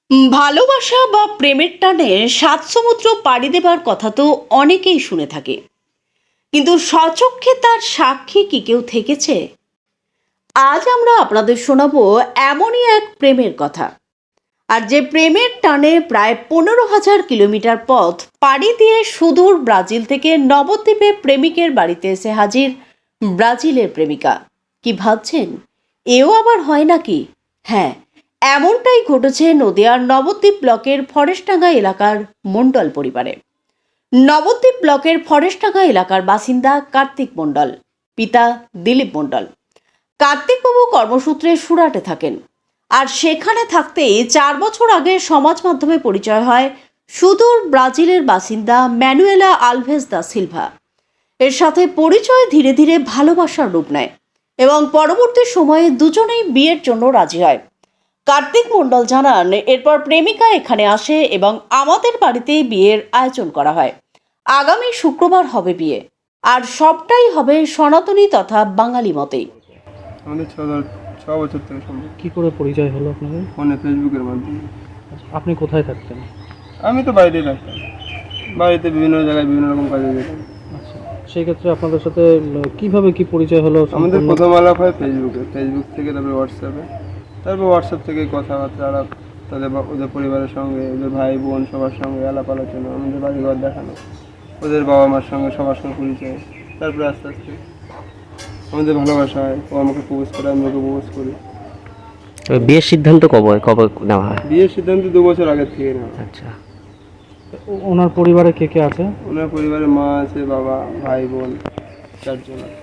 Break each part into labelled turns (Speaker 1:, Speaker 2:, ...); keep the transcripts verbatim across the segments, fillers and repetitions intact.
Speaker 1: উম, ভালোবাসা বা প্রেমের টানে সাত সমুদ্র পাড়ি দেবার কথা তো অনেকেই শুনে থাকে, কিন্তু স্বচক্ষে তার সাক্ষী কি কেউ থেকেছে? আজ আমরা আপনাদের শোনাবো এমনই এক প্রেমের কথা। আর যে প্রেমের টানে প্রায় পনেরো হাজার কিলোমিটার পথ পাড়ি দিয়ে সুদূর ব্রাজিল থেকে নবদ্বীপে প্রেমিকের বাড়িতে এসে হাজির ব্রাজিলের প্রেমিকা। কি ভাবছেন, এও আবার হয় নাকি? হ্যাঁ, এমনটাই ঘটেছে নদিয়ার নবদ্বীপ ব্লকের ফরেস্টডাঙ্গা এলাকার মণ্ডল পরিবারে। নবদ্বীপ ব্লকের ফরেস্টডাঙ্গা এলাকার বাসিন্দা কার্তিক মণ্ডল, পিতা দিলীপ মণ্ডল। কার্তিকবাবু কর্মসূত্রে সুরাটে থাকেন, আর সেখানে থাকতেই চার বছর আগে সমাজ মাধ্যমে পরিচয় হয় সুদূর ব্রাজিলের বাসিন্দা ম্যানুয়েলা আলভেজ দা সিলভা। এর সাথে পরিচয় ধীরে ধীরে ভালোবাসার রূপ নেয় এবং পরবর্তী সময়ে দুজনেই বিয়ের জন্য রাজি হয়। কার্তিক মণ্ডল জানান, এরপর প্রেমিকা এখানে আসে এবং আমাদের বাড়িতেই বিয়ের আয়োজন করা হয়। আগামী শুক্রবার হবে বিয়ে, আর সবটাই হবে সনাতনী তথা বাঙালি মতেই।
Speaker 2: আমাদের ছ ধর- ছ বছর থেকে সম্ভব।
Speaker 3: কি করে পরিচয় হলো আপনাদের?
Speaker 2: ফোনে ফেসবুকের মাধ্যমে।
Speaker 3: আপনি কোথায় থাকতেন?
Speaker 2: আমি তো বাড়িতেই থাকতাম, বাড়িতে বিভিন্ন জায়গায় বিভিন্ন রকম কাজে যেতাম।
Speaker 3: আচ্ছা, সেই ক্ষেত্রে আপনাদের সাথে উম, কিভাবে কি পরিচয় হলো?
Speaker 2: আমাদের
Speaker 3: সম্পূর্ণ-
Speaker 2: প্রথম আলাপ হয় ফেসবুকে, ফেসবুক থেকে তারপরে হোয়াটসঅ্যাপে, তারপর হোয়াটসঅ্যাপ থেকে কথাবার্তা আলাপ, তাদের বা- ওদের পরিবারের সঙ্গে, ওদের ভাই বোন সবার সঙ্গে আলাপ আলোচনা, আমাদের বাড়িঘর দেখানো, ওদের বাবা মার সঙ্গে সবার সঙ্গে পরিচয়। তারপরে আস্তে আস্তে আমাদের ভালোবাসা হয়, ও আমাকে প্রপোজ করে, আমি ওকে প্রপোজ করি।
Speaker 4: তবে বিয়ের সিদ্ধান্ত কবে কবে নেওয়া হয়?
Speaker 2: বিয়ের সিদ্ধান্ত দু বছর আগের থেকে নেওয়া।
Speaker 4: আচ্ছা,
Speaker 3: ও- ওনার পরিবারে কে কে আছে?
Speaker 2: ওনার পরিবারে মা আছে, বাবা, ভাই বোন, চারজন আছে।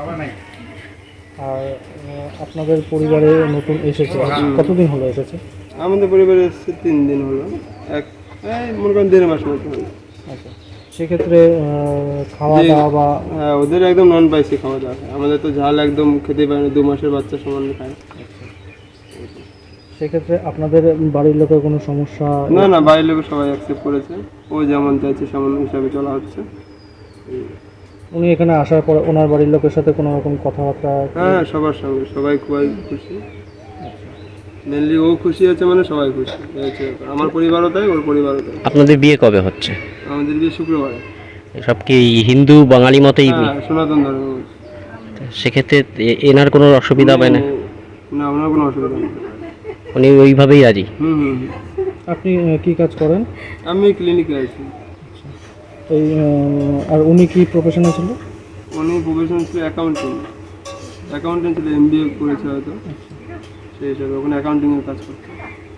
Speaker 3: আর আহ, আপনাদের পরিবারে নতুন এসেছে, কতদিন হলো এসেছে?
Speaker 2: আমাদের পরিবারে এসছে তিন দিন হলো, এক এই মনে করেন দেড় মাস মতো হলো।
Speaker 3: আচ্ছা, সেক্ষেত্রে আহ, খাওয়া
Speaker 2: যে-
Speaker 3: দাওয়া বা
Speaker 2: হ্যাঁ, ওদের একদম নন স্পাইসি খাওয়া দাওয়া খায়, আমাদের তো ঝাল একদম খেতে পারে না, দু মাসের বাচ্চা সমান খায়।
Speaker 3: সেক্ষেত্রে আপনাদের বাড়ির লোকের কোনো সমস্যা?
Speaker 2: না না, বাইরের লোক সবাই অ্যাকসেপ্ট করেছে, ও যেমন চাইছে সেমন হিসাবে চলা হচ্ছে।
Speaker 3: উনি এখানে আসার পরে ওনার বাড়ির লোকের সাথে কোনো রকম কথাবার্তা?
Speaker 2: হ্যাঁ, সবার সঙ্গে সবাই খুবই খুশি, মেনলি ও খুশি আছে মানে সবাই খুশি। এই হচ্ছে ব্যাপার। আমার পরিবারও তাই, ওর পরিবারও তাই।
Speaker 4: আপনাদের বিয়ে কবে হচ্ছে?
Speaker 2: আমাদের বিয়ে শুক্রবারে।
Speaker 4: সব কি হিন্দু বাঙালি মতেই?
Speaker 2: হ্যাঁ, সনাতন ধর্ম।
Speaker 4: সেক্ষেত্রে এ- এনার কোনো অসুবিধা হবে না?
Speaker 2: না, ওনার কোনো অসুবিধা নেই।
Speaker 4: উনি ওইভাবেই রাজি?
Speaker 2: হুম হুম হুম।
Speaker 3: আপনি আহ, কি কাজ করেন?
Speaker 2: আমি ক্লিনিকে আছি।
Speaker 3: এই আহ, আর উনি কি প্রফেশনে ছিল?
Speaker 2: উনি প্রফেশন ছিল অ্যাকাউন্টিং, অ্যাকাউন্টিং ছিল, এম বি এ করেছে হয়তো, সেই হিসাবে ওখানে অ্যাকাউন্টিংয়ের কাজ করতো।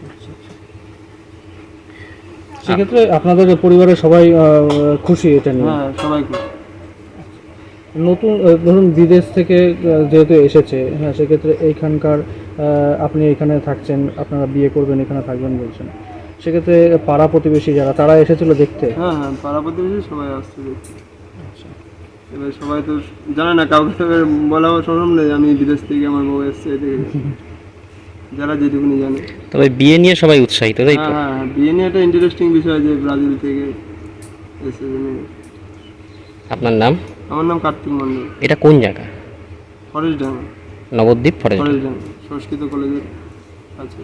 Speaker 3: সেক্ষেত্রে আপনাদের পরিবারের সবাই আহ, খুশি এটা নিয়ে?
Speaker 2: হ্যাঁ, সবাই খুশি।
Speaker 3: নতুন আহ, ধরুন বিদেশ থেকে আহ, যেহেতু এসেছে, হ্যাঁ, সেক্ষেত্রে এইখানকার আহ, আপনি এখানে থাকছেন, আপনারা বিয়ে করবেন, এখানে থাকবেন বলছেন, সেক্ষেত্রে পাড়া প্রতিবেশী যারা তারা এসেছিল দেখতে?
Speaker 2: হ্যাঁ হ্যাঁ, পাড়া প্রতিবেশী সবাই আসছে দেখতে। এবার সবাই তো জানে না, কাউকে তো এবার বলা সম্ভব নেই আমি বিদেশ থেকে আমার বউ এসছে এদিকে, যারা যেটুকুনি জানে।
Speaker 4: তবে বিয়ে নিয়ে সবাই উৎসাহিত, তাই তো?
Speaker 2: হ্যাঁ হ্যাঁ হ্যাঁ, বিয়ে নিয়ে একটা ইন্টারেস্টিং বিষয় যে ব্রাজিল থেকে এসে জেনে।
Speaker 4: আপনার নাম?
Speaker 2: আমার নাম কার্তিক মণ্ডল।
Speaker 4: এটা কোন জায়গা?
Speaker 2: ফরেস্টডাঙ্গা,
Speaker 4: নবদ্বীপ ফরেস্ট?
Speaker 2: ফরেস্টডাঙ্গা সংস্কৃত কলেজের আছে।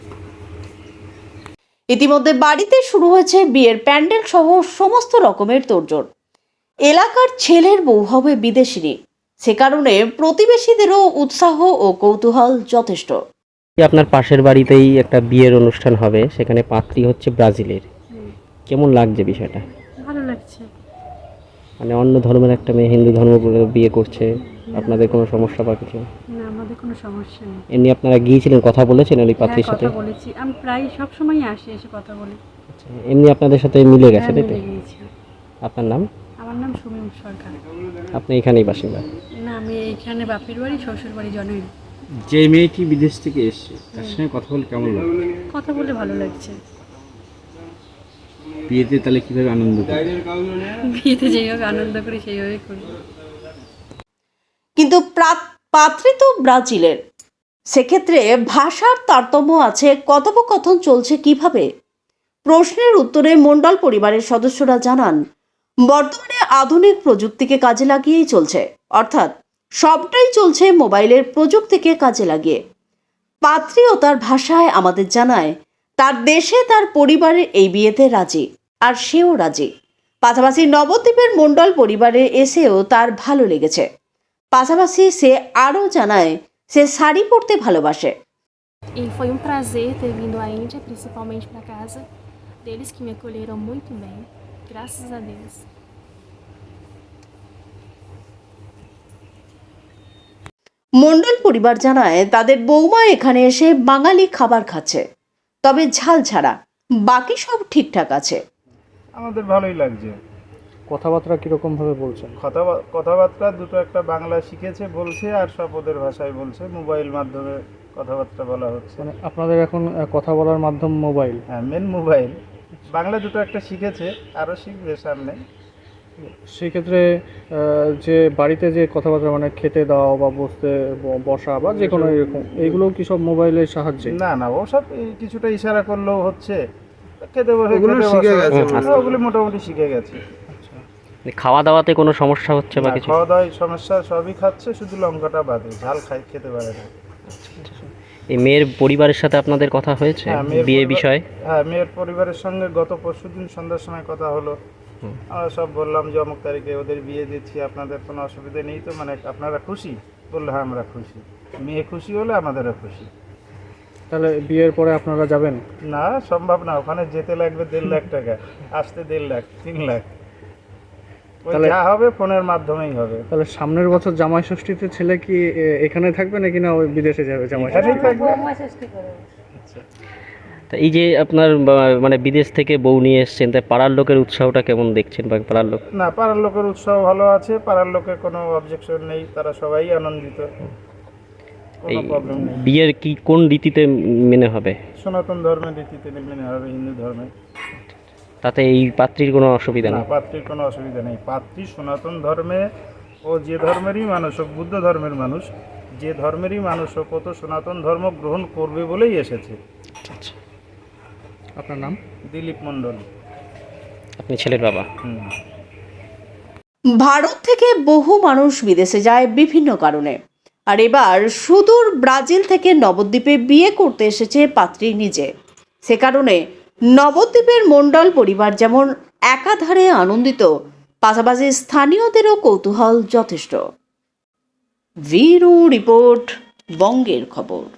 Speaker 1: ইতিমধ্যে বাড়িতে শুরু হয়েছে বিয়ের প্যান্ডেল সহ সমস্ত রকমের তোড়জোড়। এলাকার ছেলের বউ হবে বিদেশিনী, সে কারণে প্রতিবেশীদেরও উৎসাহ ও কৌতূহল যথেষ্ট।
Speaker 4: আপনার পাশের বাড়িতেই একটা বিয়ের অনুষ্ঠান হবে, সেখানে পাত্রী হচ্ছে ব্রাজিলের। কেমন লাগছে বিষয়টা?
Speaker 5: ভালো লাগছে।
Speaker 4: মানে অন্য ধর্মের একটা মেয়ে হিন্দু ধর্ম করে বিয়ে করছে, আপনাদের কোনো সমস্যা বা কিছু?
Speaker 5: না, আমাদের কোনো সমস্যা নেই।
Speaker 4: এমনি আপনারা গিয়েছিলেন, কথা বলেছেন ওই
Speaker 5: হ্যাঁ,
Speaker 4: পাত্রীর সাথে?
Speaker 5: কথা বলেছি, আমি প্রায় সব সময় আসি, এসে কথা বলি।
Speaker 4: আচ্ছা, এমনি আপনাদের সাথে মিলে গেছে,
Speaker 5: হ্যাঁ,
Speaker 4: তাই তো?
Speaker 5: মিলে গিয়েছি।
Speaker 4: আপনার নাম?
Speaker 5: আমার নাম সুমিম সরকার।
Speaker 4: আপনি এখানেই বাসিন্দা?
Speaker 5: না, আমি এইখানে বাপের বাড়ি, শ্বশুর বাড়ি জনই।
Speaker 6: যে মেয়েটি বিদেশ থেকে এসছে তার সঙ্গে কথা বলে কেমন লাগে?
Speaker 5: কথা বলে ভালো লাগছে।
Speaker 6: বিয়েতে তাহলে কিভাবে আনন্দ করে?
Speaker 5: বিয়েতে যেভাবে আনন্দ করি সেইভাবে করি।
Speaker 1: কিন্তু প্রা- পাত্রী তো ব্রাজিলের, সেক্ষেত্রে ভাষার তারতম্য আছে, কথোপকথন চলছে কিভাবে? প্রশ্নের উত্তরে মণ্ডল পরিবারের সদস্যরা জানান, বর্তমানে আধুনিক প্রযুক্তিকে কাজে লাগিয়েই চলছে, অর্থাৎ সবটাই চলছে মোবাইলের প্রযুক্তিকে কাজে লাগিয়ে। পাত্রী ও তার ভাষায় আমাদের জানায়, তার দেশে তার পরিবারের এই বিয়েতে রাজি, আর সেও রাজি। পাশাপাশি নবদ্বীপের মণ্ডল পরিবারে এসেও তার ভালো লেগেছে। পাশাপাশি সে আরও জানায় সে শাড়ি পরতে ভালোবাসে।
Speaker 7: E foi um prazer ter vindo à Índia, principalmente para casa deles, que me acolheram muito bem, graças a Deus.
Speaker 1: মণ্ডল পরিবার জানায় তাদের বৌমা এখানে এসে বাঙালি খাবার খাচ্ছে, তবে ঝাল ছাড়া, বাকি সব ঠিকঠাক আছে।
Speaker 8: আমাদের ভালোই লাগছে।
Speaker 3: কথাবার্তা কীরকম ভাবে বলছেন?
Speaker 8: কথা কথাবার্তা দুটো একটা বাংলা শিখেছে বলছে, আর সব ওদের ভাষায় বলছে, মোবাইল মাধ্যমে কথাবার্তা বলা হচ্ছে।
Speaker 3: মানে আপনাদের এখন আহ, কথা বলার মাধ্যম মোবাইল?
Speaker 8: হ্যাঁ, মেন মোবাইল। বাংলা দুটো একটা শিখেছে, আরও শিখবে সামনে।
Speaker 3: সেই ক্ষেত্রে আহ, যে বাড়িতে যে কথাবার্তা মানে খেতে দাও বা বসতে ব- বসা বা যে কোনো এরকম, এইগুলো কি সব মোবাইলের সাহায্যে?
Speaker 8: না না, ওসব এই কিছুটা ইশারা করলেও হচ্ছে। খেতে বসে
Speaker 2: ওগুলো
Speaker 8: খেতে
Speaker 2: শিখে
Speaker 8: বসো।
Speaker 2: গেছে
Speaker 8: হ্যাঁ, ওগুলো মোটামুটি শিখে গেছে।
Speaker 4: খাওয়া দাওয়াতে কোনো সমস্যা হচ্ছে বা
Speaker 8: না,
Speaker 4: কিছু?
Speaker 8: খাওয়া দাওয়ায় সমস্যা সবই খাচ্ছে, শুধু লঙ্কাটা বাদে, ঝাল খাই খেতে পারে না।
Speaker 4: এই মেয়ের পরিবারের সাথে আপনাদের কথা হয়েছে
Speaker 8: হ্যাঁ, মেয়ের
Speaker 4: বিয়ে
Speaker 8: পরিবার-
Speaker 4: বিষয়ে?
Speaker 8: হ্যাঁ, মেয়ের পরিবারের সঙ্গে গত পরশুদিন সন্ধ্যার সময় কথা হলো। আমরা সব বললাম যে অমুক তারিখে ওদের বিয়ে দিচ্ছি, আপনাদের কোনো অসুবিধা নেই তো, মানে আপনারা খুশি? বললো হ্যাঁ আমরা খুশি। মেয়ে খুশি হলে আমাদেরও খুশি।
Speaker 3: তাহলে বিয়ের পরে আপনারা যাবেন?
Speaker 8: না, সম্ভব না, ওখানে যেতে লাগবে দেড় লাখ টাকা, আসতে দেড় লাখ, তিন লাখ। ওই
Speaker 3: তাহলে-
Speaker 8: যা হবে ফোনের মাধ্যমেই হবে।
Speaker 3: তাহলে সামনের বছর জামাই ষষ্ঠীতে ছেলে কি এ, এখানে থাকবে নাকি না ওই বিদেশে যাবে জামাই ষষ্ঠী?
Speaker 8: এখানেই থাকবে।
Speaker 4: তা এই যে আপনার বা- মানে বিদেশ থেকে বউ নিয়ে এসছেন, তাই পাড়ার লোকের উৎসাহটা কেমন দেখছেন বা পাড়ার লোক?
Speaker 8: না, পাড়ার লোকের উৎসাহ ভালো আছে, পাড়ার লোকের কোনো অবজেকশন নেই, তারা সবাই আনন্দিত, কোনো
Speaker 4: এই
Speaker 8: প্রবলেম নেই।
Speaker 4: বিয়ের কি কোন রীতিতে মেনে হবে?
Speaker 8: সনাতন ধর্মের রীতিতে মেনে হবে, হিন্দু ধর্মে।
Speaker 4: তাতে এই পাত্রীর কোনো অসুবিধা
Speaker 8: না,
Speaker 4: নেই?
Speaker 8: পাত্রীর কোনো অসুবিধা নেই। পাত্রী সনাতন ধর্মে, ও যে ধর্মেরই মানুষ হোক, বুদ্ধ ধর্মের মানুষ, যে ধর্মেরই মানুষ হোক, ও তো সনাতন ধর্ম গ্রহণ করবে বলেই এসেছে।
Speaker 4: আচ্ছা,
Speaker 3: আপনার নাম?
Speaker 8: দিলীপ মণ্ডল।
Speaker 4: আপনি ছেলের বাবা?
Speaker 8: হুম।
Speaker 1: ভারত থেকে বহু মানুষ বিদেশে যায় বিভিন্ন কারণে, আর এবার সুদূর ব্রাজিল থেকে নবদ্বীপে বিয়ে করতে এসেছে পাত্রী নিজে। সে কারণে নবদ্বীপের মণ্ডল পরিবার যেমন একাধারে আনন্দিত, পাশাপাশি স্থানীয়দেরও কৌতূহল যথেষ্ট। ভিরু রিপোর্ট, বঙ্গের খবর।